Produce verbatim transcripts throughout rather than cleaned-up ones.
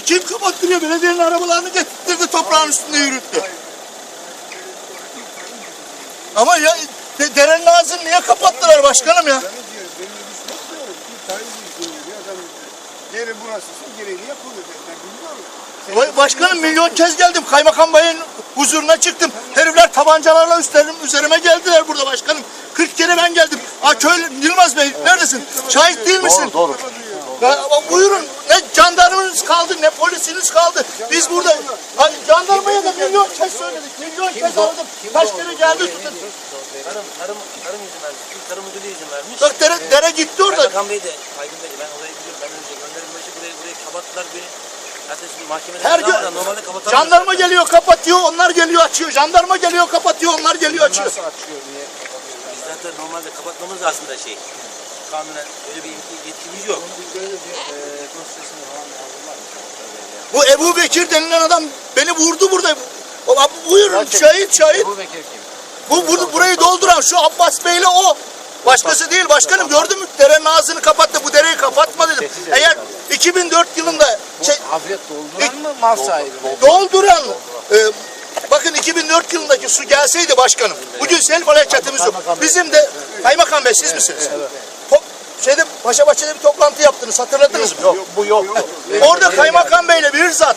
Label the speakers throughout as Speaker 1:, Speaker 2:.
Speaker 1: Kim kapattırıyor? Belediyenin arabalarını getirdi, toprağın üstünde yürüttü. Ama ya de, derenin ağzını niye kapattılar başkanım ya?
Speaker 2: Yeri burası, gereğini yapılıyor.
Speaker 1: Vay başkanım, milyon kez geldim. Kaymakam Bey'in huzuruna çıktım. Herifler tabancalarla üstlerim, üzerime geldiler burada başkanım. kırk kere ben geldim. Aa köylü Yılmaz Bey neredesin? Şahit değil misin?
Speaker 3: Doğru, doğru.
Speaker 1: Ya, buyurun, ne jandarmanız kaldı ne polisiniz kaldı. Biz burada ay, jandarmaya da milyon kez söyledik. Milyon kez aradım. Kaç kere geldi.
Speaker 4: Tarım, tarım, tarım izin vermiş. Çünkü tarım müdürlüğü izin vermiş.
Speaker 1: Bak dere, dere gitti orada.
Speaker 4: Kaymakam Bey de, Aydın Bey de, ben orayı biliyorum. Ben önce gönderim başı burayı, burayı kapattılar beni. Hatta şimdi mahkemede
Speaker 1: Her gün
Speaker 4: normalde kapatamıyoruz.
Speaker 1: jandarma geliyor kapatıyor, onlar geliyor açıyor. Jandarma geliyor kapatıyor, onlar geliyor açıyor.
Speaker 2: Nasıl açıyor, niye kapatıyor?
Speaker 4: Biz zaten normalde kapatmamız aslında şey. Kanunen öyle bir yetkimiz yok.
Speaker 1: Bu Ebu Bekir denilen adam beni vurdu burada. O, buyurun şahit şahit.
Speaker 2: Ebu Bekir kim?
Speaker 1: Bu, bu burayı dolduran şu Abbas Bey'le o. Başkası değil başkanım, gördün mü? Derenin ağzını kapattı, bu dereyi kapatma dedim. Eğer iki bin dört yılında şey,
Speaker 2: Hafriyet dolduran mı, mal sahibi mi?
Speaker 1: dolduran e, bakın iki bin dört yılındaki su gelseydi başkanım, bugün sel felaketimiz yok. Bizim de Kaymakam Bey siz misiniz? Top, şeyde Paşabahçe'de bir toplantı yaptınız, hatırladınız mı?
Speaker 3: Yok, bu yok.
Speaker 1: Orada Kaymakam Bey'le bir zat,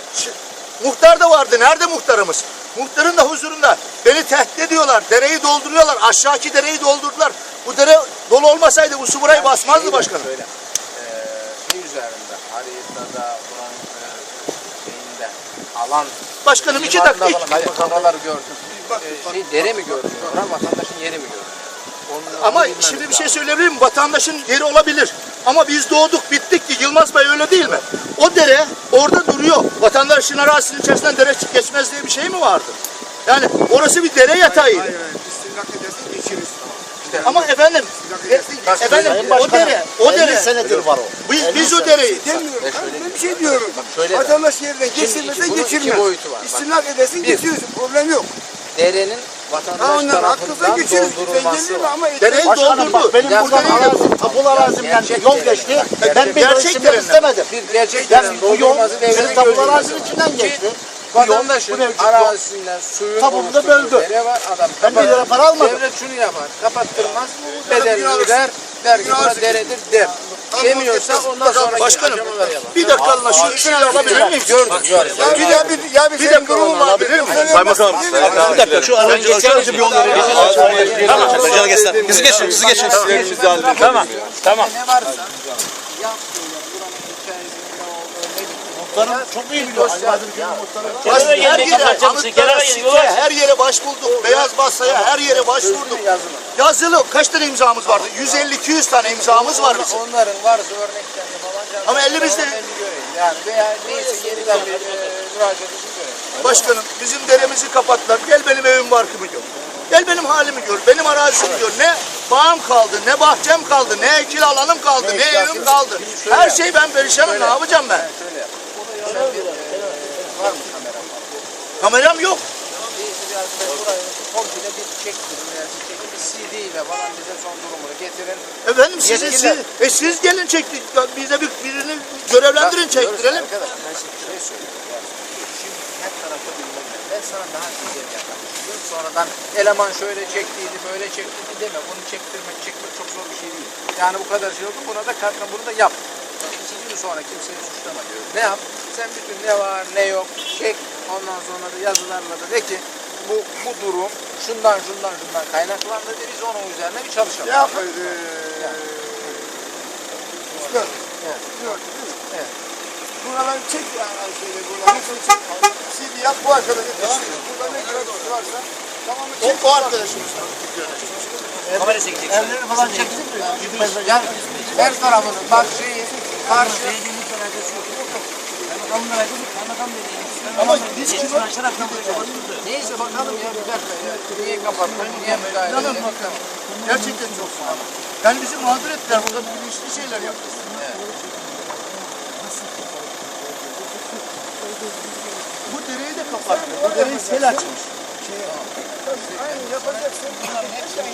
Speaker 1: muhtar da vardı. Nerede muhtarımız? Muhtarın da huzurunda beni tehdit ediyorlar. Dereyi dolduruyorlar. Aşağıki dereyi doldurdular. Bu dere dolu olmasaydı bu su burayı basmazdı başkanım.
Speaker 2: Böyle, e, şey üzerinde, haritada, buranın e, şeyinde, alan...
Speaker 1: Başkanım iki dakika.
Speaker 2: Hayır, oraları gördüm. E, şey, dere mi gördün? Oran vatandaşın yeri mi gördün? Onu,
Speaker 1: Ama
Speaker 2: onu
Speaker 1: şimdi bir şey
Speaker 2: lazım.
Speaker 1: söyleyebilir miyim? Vatandaşın yeri olabilir. Ama biz doğduk bittik ki Yılmaz Bey öyle değil mi? O dere orada duruyor. Vatandaşın arazisinin içerisinden dere geçmez diye bir şey mi vardı? Yani orası bir dere yatağıydı.
Speaker 2: Hayır, hayır. İstimlak edersin, geçiriz. İşte,
Speaker 1: Ama efendim, e, efendim o dere, o dere.
Speaker 3: senedir var o.
Speaker 1: Biz, biz o dereyi.
Speaker 2: demiyorum. Ben bir şey diyorum.
Speaker 3: şöyle
Speaker 2: Vatandaş yerine geçirmese
Speaker 3: bunun iki
Speaker 2: geçirmez.
Speaker 3: boyutu var. Bak.
Speaker 2: İstimlak edersin, geçirirsin. Problem yok.
Speaker 3: Derenin
Speaker 2: Ha
Speaker 3: vatandaş
Speaker 2: ondan haklısın,
Speaker 3: tarafından
Speaker 2: geçirir. Sen
Speaker 3: doldurulması
Speaker 2: gelir mi
Speaker 3: var.
Speaker 2: ama...
Speaker 1: Dereyi
Speaker 3: Başkanım bak
Speaker 1: doldurdu.
Speaker 3: benim
Speaker 2: Ya
Speaker 3: burada
Speaker 2: tamam,
Speaker 3: arazim, tapulu arazimden
Speaker 2: gerçek
Speaker 3: yol
Speaker 2: dere.
Speaker 3: geçti.
Speaker 2: Bak,
Speaker 3: Ben bir
Speaker 1: gerçek
Speaker 3: isim
Speaker 1: dere.
Speaker 3: istemedim.
Speaker 2: Bir gerçek
Speaker 3: Yani
Speaker 2: derenin
Speaker 3: bu yol
Speaker 2: doldurulması
Speaker 3: bizim
Speaker 2: devletin
Speaker 3: tapulu
Speaker 2: gözünde.
Speaker 3: arazinin içinden geçti.
Speaker 2: Vatandaşın
Speaker 3: Bu mevcut
Speaker 2: arazisinden suyun
Speaker 3: Tapulu da
Speaker 2: oluşturduğu
Speaker 3: böldü.
Speaker 2: dere var. Adam
Speaker 3: Ben bir lira para almadım.
Speaker 2: Devlet şunu yapar. Kapattırmaz. Bedelini öder. Der ki buna deredir der. Demiyorsa ondan sonra
Speaker 1: Başkanım bir dakikalığına şu işi alabilir miyim?
Speaker 2: gördüm. gördüm. Ya bir ya bir ya bir
Speaker 1: Bir dakika oğlum alabilir miyim?
Speaker 5: Kaymakam. Bir dakika şu aracı şu aracı bir yol verelim. Tamam. Hocam geçsin. Bizi geçin. Bizi geçin. Tamam. Tamam.
Speaker 2: Ne varsa yap söyle. Buranın hikayesinin ne olduğunu ne bitti.
Speaker 3: Muhtarım çok iyi biliyor.
Speaker 1: Baş, her yere, anıtlara, site, her yere başvurduk. Beyaz basaya her yere başvurduk. Yazılı kaç tane imzamız vardı? yüz elli iki yüz tane imzamız var bizim.
Speaker 2: Onların varsa örneklerini falan.
Speaker 1: Ama elimizde-
Speaker 2: Onu elli göreyim. Yani veya neyse yeniden bir e, müracaatı göreyim.
Speaker 1: Başkanım bizim deremizi kapattılar. Gel benim evim barkımı gör. Gel benim halimi gör. Benim arazimi gör. Ne bağım kaldı, ne bahçem kaldı, ne ekil alanım kaldı, ne evim kaldı. Her şey ben perişanım. Ne yapacağım ben?
Speaker 2: Şöyle yap. Sen bir, e, var mı kamera falan?
Speaker 1: Kameram yok.
Speaker 2: Birisi bir arkadaş burayı komple bir çektirin. Yani bir çekin bir C D ile falan bize son durumunu getirin.
Speaker 1: Efendim siz, siz,
Speaker 2: Yetkililer.
Speaker 1: e, siz gelin çektik. Bize bir, birini görevlendirin çektirelim.
Speaker 2: Arkadaş ben size bir şey söyleyeyim. Yani şimdi her tarafta bilmem ne. Ben sana daha güzel yapayım. Sonradan eleman şöyle çektiydi, böyle çektiydi deme. Bunu çektirmek, çekmek çok zor bir şey değil. Yani bu kadar şey oldu. Buna da kalkın, bunu da yap. İki gün sonra kimseyi suçlama diyor. Ne yap? Sen bütün ne var, ne yok çek. Ondan sonra da yazılarla da de ki bu bu durum şundan şundan şundan kaynaklandı de biz onun üzerine bir çalışalım.
Speaker 6: Yap.
Speaker 2: Evet. Evet.
Speaker 6: Buraları çek yani şeyde buraları çek. C D yap bu arkadaşa teslim. Burada ne kadar varsa tamamı çek.
Speaker 1: O, o arkadaşımız.
Speaker 4: Kamera çekecek.
Speaker 3: Evleri falan çeksin mi?
Speaker 2: Yani her tarafını bak şeyi karşı
Speaker 1: Ama biz
Speaker 2: neyse bakalım ya bir dakika ya. Niye kapattın? Niye müdahale
Speaker 1: İnanın
Speaker 2: edin?
Speaker 1: bakalım. Gerçekten çok sağ olun. Yani bizi mağdur ettiler. Burada bilinçli şeyler yaptık. Bu dereyi de kapattı. Bu dereyi sel açmış.
Speaker 6: Aynı yapacaksın. Bunların hepsini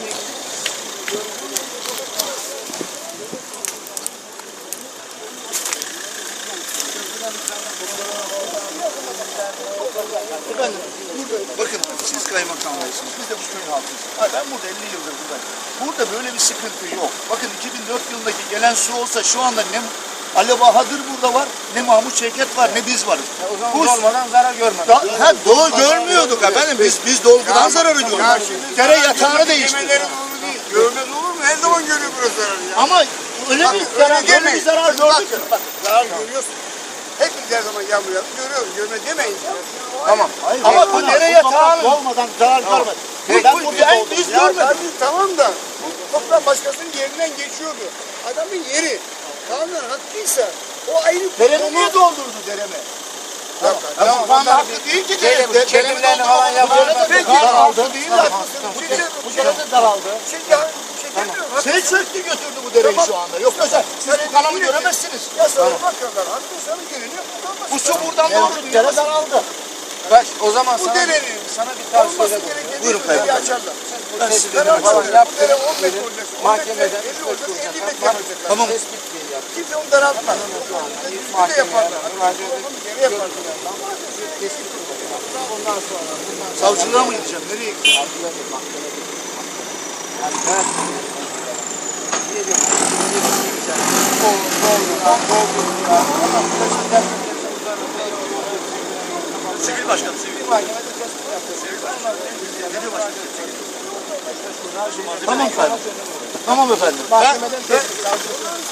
Speaker 6: yek.
Speaker 1: Efendim, burada bakın siz kaymakamlısınız, biz de bu köyün halkıyız. Hayır, ben burada elli yıldır buradayım. Burada böyle bir sıkıntı yok. Bakın iki bin dört yılındaki gelen su olsa şu anda ne Ali Bahadır burada var, ne Mahmut Şevket var, ne biz varız.
Speaker 2: O zaman
Speaker 1: Bu
Speaker 2: dolmadan zarar görmedik.
Speaker 1: da, ha, doğu görmüyorduk efendim, biz biz dolgudan zararı
Speaker 6: Ya
Speaker 1: görüyoruz.
Speaker 6: şimdi
Speaker 1: Dere yatağını değiştirdik.
Speaker 6: Yemeleri doğru değil. Görmez olur mu? Her zaman görüyor burası zararı ya.
Speaker 1: Ama öyle
Speaker 6: Bak,
Speaker 1: bir
Speaker 6: öyle
Speaker 1: zarar, öyle bir
Speaker 6: demeyin.
Speaker 1: zarar gördük.
Speaker 6: Bak, bak, zarar görüyorsun. Hepimiz her zaman yağmur yağdı. Görüyoruz. Görme demeyin.
Speaker 2: Tamam.
Speaker 3: Hayır,
Speaker 1: Ama
Speaker 3: hayır,
Speaker 1: bu
Speaker 3: hayır.
Speaker 1: dere
Speaker 3: Bu toprak
Speaker 1: yatağının-
Speaker 3: Dolmadan zarar görmedik.
Speaker 1: Bu-
Speaker 3: Ben
Speaker 1: bu-
Speaker 3: burada
Speaker 1: ben-
Speaker 3: doldum.
Speaker 1: biz
Speaker 6: Ya
Speaker 1: görmedik.
Speaker 6: tabii tamam da bu toprak başkasının yerinden geçiyordu. Adamın yeri kanun hakkıysa o ayrı bir
Speaker 1: Deremi
Speaker 6: konu.
Speaker 1: niye doldurdu deremi?
Speaker 6: Ya,
Speaker 1: Ama
Speaker 6: tamam,
Speaker 1: bu anda
Speaker 6: onlar
Speaker 1: hakkı değil ki
Speaker 2: Kelim-
Speaker 1: deremi.
Speaker 2: kelimlerini falan yapar.
Speaker 6: Peki.
Speaker 1: Daraldı değil mi?
Speaker 6: Şimdi
Speaker 3: Bu dere de daraldı.
Speaker 6: şey ya şey demiyorum.
Speaker 1: Şey çöktü götürdü bu dereyi şu anda. Yoksa sen, siz bu kanamı göremezsiniz.
Speaker 6: Ya sana bakarlar. Hakkı sana geleni yapılmaz.
Speaker 1: Bu su buradan
Speaker 3: Evet,
Speaker 1: doğru.
Speaker 3: dere daraldı.
Speaker 2: Bak o zaman
Speaker 6: Bu
Speaker 2: sana,
Speaker 6: derenin
Speaker 2: sana bir tavsiye
Speaker 6: olması
Speaker 2: ederim.
Speaker 6: gereken
Speaker 1: Buyurun
Speaker 6: bir dereyi
Speaker 1: kaymakam.
Speaker 6: açarlar.
Speaker 2: Bu
Speaker 1: Ben
Speaker 2: tespitini
Speaker 1: size
Speaker 2: falan
Speaker 6: Bu
Speaker 2: yaptın.
Speaker 6: dere on metre olacak. on
Speaker 2: Mahkemeden
Speaker 6: metre, elli olacak, elli metre
Speaker 2: Bak,
Speaker 6: olacak.
Speaker 1: Tamam.
Speaker 2: Tespit yap.
Speaker 6: Kimse onu daraltmaz. Bunu da yaparlar.
Speaker 2: Mahkemeye
Speaker 6: Geri yaparlar.
Speaker 2: tespit yapacak. Ondan sonra bundan sonra
Speaker 1: Savcılığa mı gideceğim? Nereye gideceğim?
Speaker 2: adliye bir mahkemeye gidecek. Yani ben diyelim ki diyeceksin. Doğru, doğru, doğru.
Speaker 5: Sivil başkanım, sivil.
Speaker 2: Bir mahkemede tespit yapacak.
Speaker 1: Tamam efendim. Tamam efendim. Ben,
Speaker 2: Mahkemeden tespit.